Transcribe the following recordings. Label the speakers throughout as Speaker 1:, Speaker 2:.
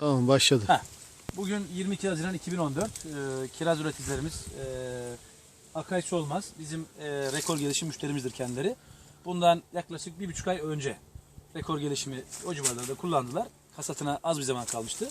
Speaker 1: Tamam, başladı.
Speaker 2: Bugün 22 Haziran 2014. Kiraz üreticilerimiz Akay Solmaz bizim rekor gelişim müşterimizdir kendileri. Bundan yaklaşık 1,5 ay önce rekor gelişimi o civarlarda kullandılar. Hasatına az bir zaman kalmıştı.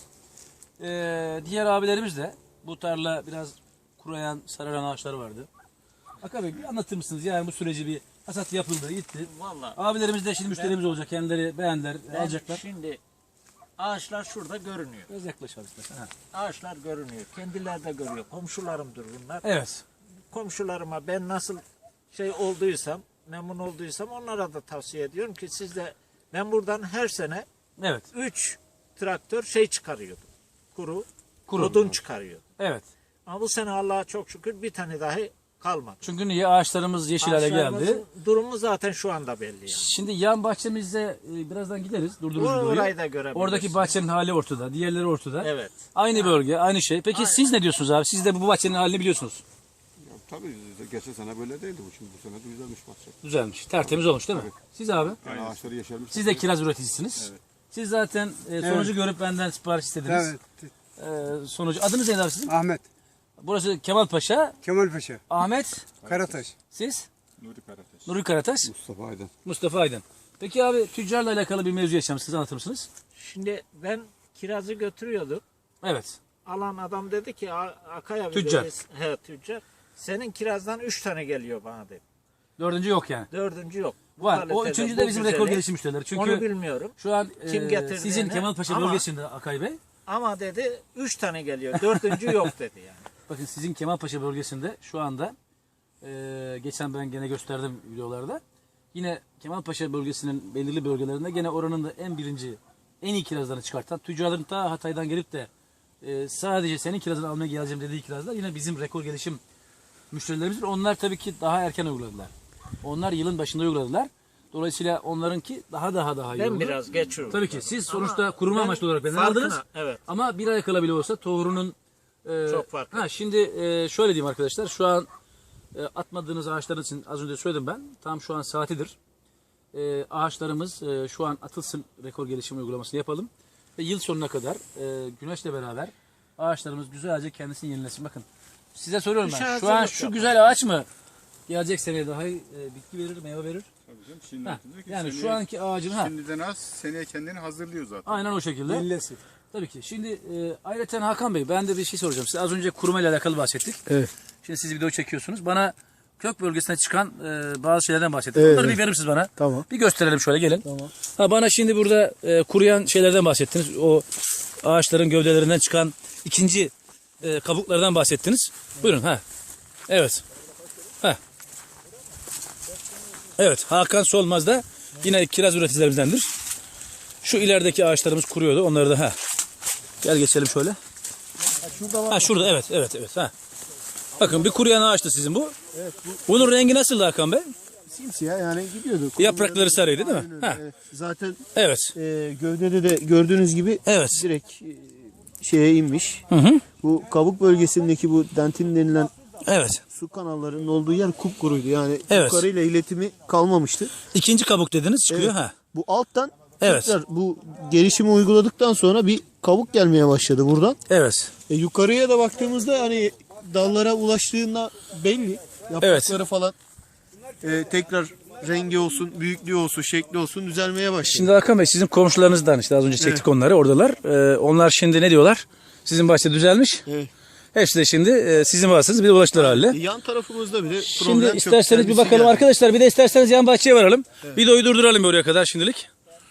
Speaker 2: Diğer abilerimiz de bu tarla biraz kuruyan, sararan ağaçlar vardı. Akay Bey bir anlatır mısınız? Yani bu süreci bir hasat yapıldı, gitti.
Speaker 3: Vallahi
Speaker 2: Abilerimiz de şimdi müşterimiz olacak. Kendileri beğendiler, alacaklar.
Speaker 3: Şimdi ağaçlar şurada görünüyor.
Speaker 2: Biraz yaklaş abi istersen. Ha.
Speaker 3: Ağaçlar görünüyor. Kendileri de görüyor. Komşularımdır bunlar.
Speaker 2: Evet.
Speaker 3: Komşularıma ben nasıl olduysam, memnun olduysam onlara da tavsiye ediyorum ki siz de, ben buradan her sene
Speaker 2: Evet.
Speaker 3: 3 traktör çıkarıyordum. Kuru
Speaker 2: Kuru.
Speaker 3: odun çıkarıyordum.
Speaker 2: Evet.
Speaker 3: Ama bu sene Allah'a çok şükür bir tane dahi kalmadı.
Speaker 2: Çünkü niye? Ağaçlarımız yeşil hale geldi.
Speaker 3: Ağaçlarımızın durumu zaten şu anda belli yani.
Speaker 2: Şimdi yan bahçemizde birazdan gideriz. Durdururuz
Speaker 3: Orayı da görebiliriz.
Speaker 2: Oradaki bahçenin hali ortada. Diğerleri ortada.
Speaker 3: Evet.
Speaker 2: Aynı bölge, aynı şey. Peki siz ne diyorsunuz abi? Siz de bu bahçenin halini biliyorsunuz.
Speaker 4: Ya, tabii geçen sene böyle değildi bu, şimdi bu sene de güzelmiş bahçe.
Speaker 2: Düzelmiş. Tertemiz olmuş değil mi?
Speaker 4: Evet.
Speaker 2: Siz abi?
Speaker 4: Yani ağaçları yeşermiş.
Speaker 2: Siz de kiraz üreticisiniz.
Speaker 4: Evet.
Speaker 2: Siz zaten sonucu görüp benden sipariş istediniz.
Speaker 1: Evet.
Speaker 2: Sonucu. Adınız neydi abi sizin?
Speaker 1: Ahmet,
Speaker 2: Burası Kemal Paşa.
Speaker 1: Kemal Paşa,
Speaker 2: Ahmet.
Speaker 1: Karataş.
Speaker 2: Siz?
Speaker 4: Nuri Karataş.
Speaker 2: Nuri Karataş.
Speaker 4: Mustafa Aydın.
Speaker 2: Mustafa Aydın. Peki abi tüccarla alakalı bir mevzu yaşamışsınız. Anlatır mısınız?
Speaker 3: Şimdi ben kirazı götürüyordum.
Speaker 2: Evet.
Speaker 3: Alan adam dedi ki Akay abi
Speaker 2: Tüccar.
Speaker 3: dedi, he, tüccar. Senin kirazdan 3 tane geliyor bana dedi.
Speaker 2: Dördüncü yok yani.
Speaker 3: 4. yok. Bu
Speaker 2: Var. O
Speaker 3: kalitede,
Speaker 2: üçüncü
Speaker 3: bu
Speaker 2: de bizim rekor
Speaker 3: güzeli.
Speaker 2: gelişim müşterileri. Çünkü
Speaker 3: Onu bilmiyorum.
Speaker 2: şu an
Speaker 3: Kim getirdi
Speaker 2: sizin
Speaker 3: yani?
Speaker 2: Kemalpaşa
Speaker 3: Ama-
Speaker 2: bölgesinde Akay Bey.
Speaker 3: Ama dedi 3 tane geliyor. 4. yok dedi yani.
Speaker 2: Bakın sizin Kemalpaşa bölgesinde şu anda geçen ben gene gösterdim videolarda. Yine Kemalpaşa bölgesinin belirli bölgelerinde gene oranın da en iyi kirazlarını çıkartan tüccarların ta Hatay'dan gelip de sadece senin kirazını almaya geleceğim dediği kirazlar yine bizim rekor gelişim müşterilerimizdir. Onlar tabii ki daha erken uyguladılar. Onlar yılın başında uyguladılar. Dolayısıyla onlarınki daha iyi
Speaker 3: Ben
Speaker 2: oldu.
Speaker 3: biraz geç uyguladım.
Speaker 2: Tabii ki siz sonuçta kuruma
Speaker 3: ben
Speaker 2: amaçlı olarak benden
Speaker 3: farkına-
Speaker 2: aldınız.
Speaker 3: evet.
Speaker 2: Ama bir ay kala bile olsa tohurunun
Speaker 3: Çok farklı.
Speaker 2: Şimdi şöyle diyeyim arkadaşlar. Şu an atmadığınız ağaçların için az önce söyledim ben. Tam şu an saatidir. Ağaçlarımız şu an atılsın, rekor gelişim uygulamasını yapalım. Ve yıl sonuna kadar güneşle beraber ağaçlarımız güzelce kendisini yenilesin. Bakın size soruyorum ben. Şu an
Speaker 3: hazırlık
Speaker 2: şu
Speaker 3: yapalım.
Speaker 2: güzel ağaç mı gelecek seneye daha iyi bitki verir, meyve verir?
Speaker 4: Tabii canım, şimdi
Speaker 2: Ha,
Speaker 4: diyor ki
Speaker 2: yani
Speaker 4: seneye-
Speaker 2: şu anki ağacın
Speaker 4: Şimdiden az, seneye kendini hazırlıyor zaten.
Speaker 2: aynen o şekilde.
Speaker 1: Yenilesin.
Speaker 2: Tabii ki. Şimdi ayrıca Hakan Bey ben de bir şey soracağım. Size az önce kuruma ile alakalı bahsettik.
Speaker 1: Evet.
Speaker 2: Şimdi siz video çekiyorsunuz. Bana kök bölgesine çıkan bazı şeylerden bahsettiniz.
Speaker 1: Evet.
Speaker 2: Onları bir verir misiniz bana?
Speaker 1: Tamam.
Speaker 2: Bir gösterelim şöyle gelin.
Speaker 1: Tamam.
Speaker 2: Ha, bana şimdi burada kuruyan şeylerden bahsettiniz. O ağaçların gövdelerinden çıkan ikinci kabuklardan bahsettiniz. Buyurun ha. Evet. Ha. Evet, Hakan Solmaz da yine kiraz üreticilerimizdendir. Şu ilerideki ağaçlarımız kuruyordu. Onları da ha. Gel geçelim şöyle. Ha şurada evet ha. Bakın bir kuruyan ağaçtı sizin bu.
Speaker 1: Evet,
Speaker 2: Bunun rengi nasıldı Hakan Bey?
Speaker 1: simsiyah yani gidiyordu.
Speaker 2: Yaprakları sarıydı değil mi?
Speaker 1: Aynen öyle,
Speaker 2: Ha.
Speaker 1: evet. Zaten
Speaker 2: Evet.
Speaker 1: gövdede de gördüğünüz gibi
Speaker 2: Evet.
Speaker 1: direkt şeye inmiş.
Speaker 2: Hı hı.
Speaker 1: Bu kabuk bölgesindeki bu dentin denilen
Speaker 2: Evet.
Speaker 1: su kanallarının olduğu yer kupkuruydu. Yani
Speaker 2: Evet.
Speaker 1: yukarıyla iletimi kalmamıştı.
Speaker 2: İkinci kabuk dediniz çıkıyor
Speaker 1: Evet.
Speaker 2: ha.
Speaker 1: Bu alttan
Speaker 2: Evet.
Speaker 1: tekrar bu gelişimi uyguladıktan sonra bir kabuk gelmeye başladı buradan.
Speaker 2: Evet.
Speaker 1: Yukarıya da baktığımızda hani dallara ulaştığında belli. Yaprakları falan tekrar rengi olsun, büyüklüğü olsun, şekli olsun düzelmeye başladı.
Speaker 2: Şimdi Hakan Bey sizin komşularınızdan işte az önce çektik onları oradalar. Onlar şimdi ne diyorlar? Sizin bahçe düzelmiş.
Speaker 1: Evet.
Speaker 2: Hepsi de şimdi sizin bahçeniz bir de ulaştılar haline.
Speaker 1: Yan tarafımızda bile
Speaker 2: Şimdi
Speaker 1: problem çok.
Speaker 2: isterseniz bir
Speaker 1: Kendisi
Speaker 2: bakalım
Speaker 1: geldi.
Speaker 2: arkadaşlar. Bir de isterseniz yan bahçeye varalım. Videoyu durduralım oraya kadar şimdilik.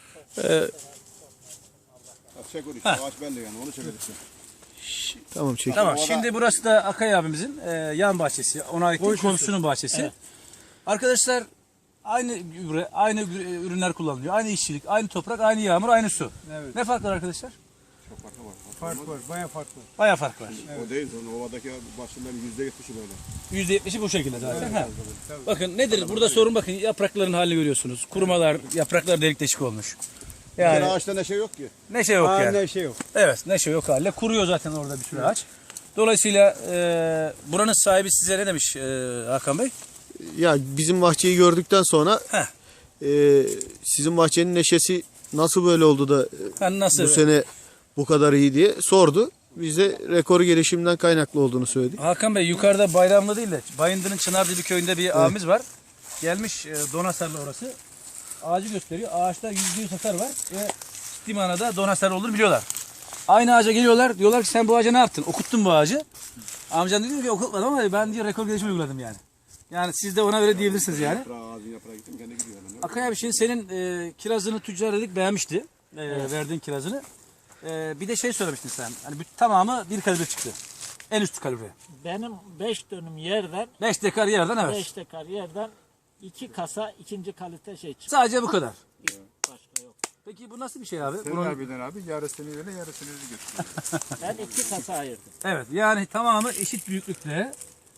Speaker 4: Çek onu işte, ağaç belli yani, onu çekelim.
Speaker 1: Tamam çek.
Speaker 2: Tamam. Şimdi burası da Akay abimizin yan bahçesi. Ona ait değil, komşusunun bahçesi. Arkadaşlar aynı ürünler kullanılıyor. Aynı işçilik, aynı toprak, aynı yağmur, aynı su.
Speaker 1: Evet.
Speaker 2: Ne fark var arkadaşlar?
Speaker 1: Fark var, bayağı fark var.
Speaker 2: Bayağı fark var.
Speaker 4: O değil, sonra ovadaki başından %70'i böyle.
Speaker 2: %70'i bu şekilde zaten. Ha. Bakın nedir? Burada sorun bakın yaprakların halini görüyorsunuz. Kurumalar, yapraklar delik deşik olmuş.
Speaker 4: Yani
Speaker 2: Yani
Speaker 4: ağaçta neşe yok ki.
Speaker 2: neşe yok yani.
Speaker 1: Ne şey yok.
Speaker 2: Evet, neşe yok halde. Kuruyor zaten orada bir sürü ağaç. Dolayısıyla buranın sahibi size ne demiş Hakan Bey?
Speaker 1: Ya bizim bahçeyi gördükten sonra
Speaker 2: Heh.
Speaker 1: sizin bahçenin neşesi nasıl böyle oldu da
Speaker 2: Yani nasıl?
Speaker 1: bu sene bu kadar iyi diye sordu. Biz de rekor gelişimden kaynaklı olduğunu söyledik.
Speaker 2: Hakan Bey yukarıda Bayramlı değil de Bayındır'ın Çınardibi köyünde bir abimiz var. Gelmiş Donasarlı orası. Ağacı gösteriyor. Ağaçta %100 hasar var ve ciddi manada Donasarlı olduğunu biliyorlar. Aynı ağaca geliyorlar. Diyorlar ki sen bu ağaca ne yaptın? Okuttun bu ağacı. Amcan diyor ki okutmadım ama ben diyor rekor gelişimi uyguladım yani. Yani siz de ona öyle diyebilirsiniz yani.
Speaker 4: Ağacın yaprağı gittim kendi gidiyor.
Speaker 2: Akay abi şimdi senin kirazını tüccar dedik beğenmişti. Verdiğin kirazını. Bir de şey söylemiştin sen. Hani tamamı bir kalibre çıktı. En üst kalibre.
Speaker 3: Benim 5 dönüm yerden
Speaker 2: 5 dekar yerden evet.
Speaker 3: 5 dekar yerden 2 kasa ikinci kalite şey çıktı.
Speaker 2: Sadece bu kadar.
Speaker 3: Başka yok.
Speaker 2: Peki bu nasıl bir şey abi?
Speaker 5: Senin abiden abi yarısını öyle yarısını öyle götürüyor.
Speaker 3: Ben 2 kasa ayırdım.
Speaker 2: Evet yani tamamı eşit büyüklükte.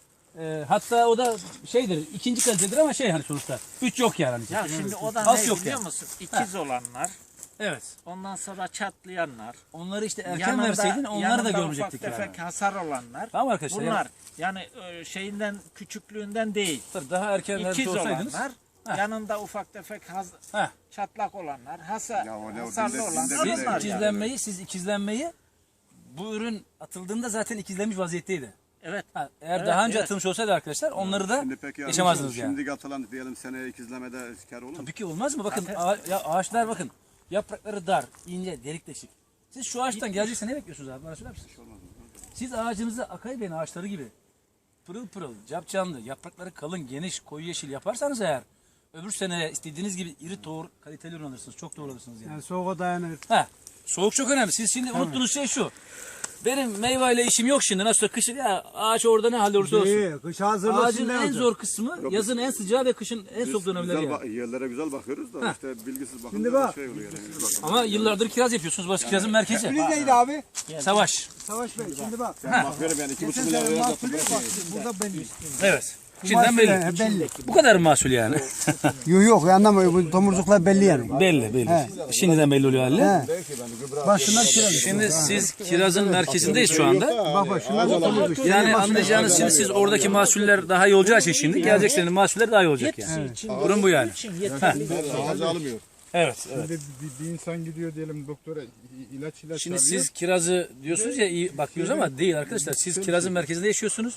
Speaker 2: Hatta o da şeydir ikinci kalitedir ama şey hani sonuçta 3 yok yani.
Speaker 3: Ya şimdi o da
Speaker 2: Az
Speaker 3: ne
Speaker 2: yok
Speaker 3: biliyor
Speaker 2: yani.
Speaker 3: musun? İkiz olanlar,
Speaker 2: Evet.
Speaker 3: ondan sonra çatlayanlar,
Speaker 2: Onları işte erken verseydin onları da
Speaker 3: yanında
Speaker 2: görmeyecektik
Speaker 3: ufak
Speaker 2: yani.
Speaker 3: tefek hasar olanlar.
Speaker 2: Tamam arkadaşlar.
Speaker 3: Bunlar yani şeyinden küçüklüğünden değil.
Speaker 2: Daha erken
Speaker 3: İkiz
Speaker 2: vermiş olsaydınız.
Speaker 3: olanlar, yanında ufak tefek
Speaker 2: Heh.
Speaker 3: çatlak olanlar,
Speaker 4: Ya o ne o
Speaker 3: hasarlı
Speaker 4: dinde-
Speaker 3: olanlar
Speaker 4: dinde-
Speaker 2: Siz
Speaker 3: onlar yani.
Speaker 2: ikizlenmeyi bu ürün atıldığında zaten ikizlenmiş vaziyetteydi.
Speaker 3: Evet.
Speaker 2: Eğer
Speaker 3: Evet,
Speaker 2: daha önce
Speaker 3: evet.
Speaker 2: atılmış olsaydı arkadaşlar onları da
Speaker 4: Şimdi peki
Speaker 2: yaşamazdınız yani.
Speaker 4: Şimdiki atılan diyelim seneye ikizlemede kar olur mu?
Speaker 2: Tabii ki olmaz mı? Bakın
Speaker 3: Zaten-
Speaker 2: ağaçlar bakın. Yaprakları dar, ince, delik deşik. Siz şu ağaçtan gelecekse ne bekliyorsunuz abi? Bana söyler misiniz? Siz ağacınızı Akay Bey'in ağaçları gibi pırıl pırıl, capcanlı, yaprakları kalın, geniş, koyu yeşil yaparsanız eğer öbür sene istediğiniz gibi iri tohum kaliteli ürün alırsınız. Çok doğru alırsınız yani.
Speaker 6: Yani soğuğa dayanır.
Speaker 2: Soğuk çok önemli. Siz şimdi unuttuğunuz şey şu. Benim meyveyle işim yok şimdi. Nasıl kışın ya ağaç orada ne halde olursa olsun.
Speaker 6: İyi, kış hazırlığı
Speaker 2: Ağacın
Speaker 6: şimdi
Speaker 2: en
Speaker 6: olacak.
Speaker 2: zor kısmı yazın en sıcağı ve kışın en soğuk dönemleri yani.
Speaker 4: Yerlere güzel bakıyoruz da işte bilgisiz bakınca
Speaker 6: Şimdi bak.
Speaker 4: şey oluyor yani.
Speaker 2: Ama yıllardır kiraz yapıyorsunuz. Burası kirazın merkezi.
Speaker 6: Biz neydi abi?
Speaker 2: Savaş.
Speaker 6: Savaş Bey şimdi bak.
Speaker 4: Ben bakıyorum yani 2,5 milyar lira yaptım.
Speaker 6: Burada belli.
Speaker 2: Evet. Şimdiden belli.
Speaker 6: Belli.
Speaker 2: Bu kadar mı mahsul yani?
Speaker 6: Yok yok anlamıyor. Bu tomurcuklar belli yani.
Speaker 2: belli. Şimdiden belli oluyor hali.
Speaker 6: He. Başından kiraz.
Speaker 2: Şimdi siz kirazın merkezindeyiz şu anda.
Speaker 6: Bak bak şunlar da tomurcuk.
Speaker 2: Yani anlayacağınız şimdi siz oradaki mahsuller daha iyi olacağı için şimdi gelecek senenin mahsulleri daha iyi olacak yani. Durum bu yani.
Speaker 4: Ağacı almıyor.
Speaker 2: Evet.
Speaker 5: Bir insan gidiyor diyelim doktora ilaç
Speaker 2: Şimdi
Speaker 5: alıyor.
Speaker 2: siz kirazı diyorsunuz ya iyi bakıyoruz ama değil arkadaşlar. Siz kirazın merkezinde yaşıyorsunuz.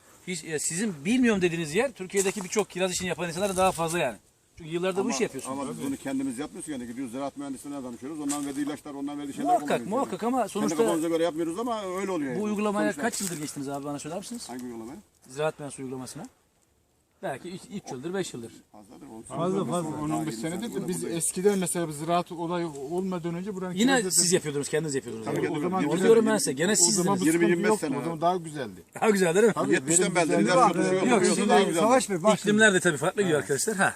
Speaker 2: Sizin bilmiyorum dediğiniz yer Türkiye'deki birçok kiraz işini yapan insanlar daha fazla yani. Çünkü yıllardır bu işi yapıyorsunuz.
Speaker 4: Ama biz bunu kendimiz yapmıyoruz yani gidiyoruz ziraat mühendisliğine danışıyoruz. Ondan verdiği ilaçlar, ondan verdiği şeyler
Speaker 2: Muhakkak
Speaker 4: kullanıyoruz.
Speaker 2: muhakkak ama
Speaker 4: Kendi
Speaker 2: sonuçta
Speaker 4: kafamıza göre yapmıyoruz ama öyle oluyor.
Speaker 2: bu
Speaker 4: yani.
Speaker 2: uygulamaya
Speaker 4: Sonuçta-
Speaker 2: kaç yıldır geçtiniz abi bana söyler misiniz?
Speaker 4: Hangi uygulamaya?
Speaker 2: Ziraat mühendisliği uygulamasına. Belki 3 yıldır 5 yıldır.
Speaker 4: Fazladır.
Speaker 6: Fazla.
Speaker 5: 10-15 senedir de biz eskiden mesela bu ziraat olayı olmadan önce buranın
Speaker 2: Yine
Speaker 5: kirazı-
Speaker 2: siz yapıyordunuz, kendiniz yapıyordunuz.
Speaker 4: Tabii
Speaker 2: Yani.
Speaker 4: ki.
Speaker 5: o zaman
Speaker 2: Onu
Speaker 5: güzel-
Speaker 2: diyorum ben size. Gene
Speaker 5: o
Speaker 2: sizdiniz.
Speaker 5: zaman bu
Speaker 4: 20-25
Speaker 5: sıkıntı yoktu.
Speaker 4: sene
Speaker 5: O zaman daha güzeldi.
Speaker 2: Daha güzel değil mi?
Speaker 4: 70'ten beri
Speaker 5: güzeldi.
Speaker 4: ilaç
Speaker 6: Bak,
Speaker 4: tutuşuyor.
Speaker 6: yok,
Speaker 4: Yok,
Speaker 6: şimdi
Speaker 4: daha güzel.
Speaker 6: Savaş Bey bak şimdi.
Speaker 2: İklimler de tabii farklı gidiyor arkadaşlar. Ha.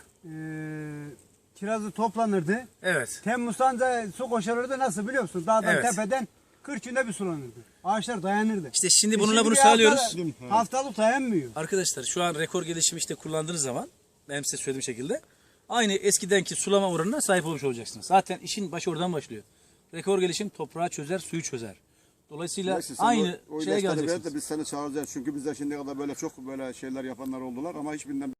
Speaker 6: Kirazı toplanırdı.
Speaker 2: Evet.
Speaker 6: Temmuz'dan da su koşarırdı nasıl biliyor musun? Dağdan
Speaker 2: Evet.
Speaker 6: tepeden 40 günde bir sulanırdı. Ağaçlar dayanırdı.
Speaker 2: İşte şimdi
Speaker 6: Şimdi
Speaker 2: bununla bunu
Speaker 6: bir
Speaker 2: sağlıyoruz.
Speaker 6: Haftalık dayanmıyor.
Speaker 2: Arkadaşlar şu an rekor gelişimi işte kullandığınız zaman benim size söylediğim şekilde aynı eskidenki sulama oranına sahip olmuş olacaksınız. Zaten işin başı oradan başlıyor. Rekor gelişim toprağı çözer, suyu çözer. Dolayısıyla
Speaker 4: Neyse, sen
Speaker 2: aynı
Speaker 4: o
Speaker 2: şeye
Speaker 4: ilaçları ver
Speaker 2: geleceksiniz.
Speaker 4: de biz seni çağıracağız. Çünkü bizde şimdiye kadar böyle çok böyle şeyler yapanlar oldular ama hiçbirinden